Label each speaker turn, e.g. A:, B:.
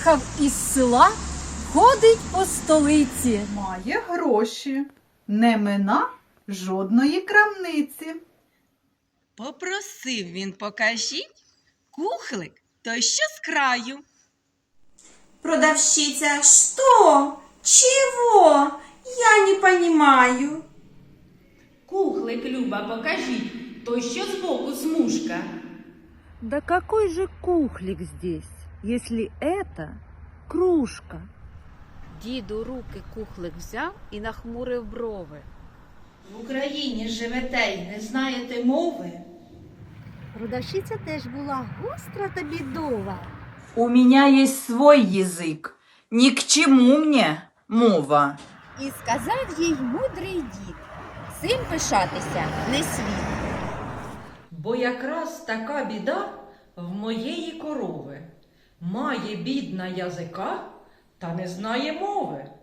A: приїхав із села, ходить по столиці.
B: Має гроші, не мина жодної крамниці.
C: Попросив він, покажіть, кухлик той, що з краю.
D: Продавщица, что? Чего? Я не понимаю.
E: Кухлик, Люба, покажіть, той, що збоку смужка.
F: Да какой же кухлик здесь, если это кружка?
G: Дід у руки кухлик взяв і нахмурив брови.
E: В Україні живете й не знаєте мови?
H: Продавщиця теж була гостра та бідова.
I: У меня есть свой язык. Ни к чему мне мова.
J: І сказав їй мудрий дід: цим пишатися не слід.
K: Бо якраз така біда в моєї корови. Має бідна язика, та не знає мови.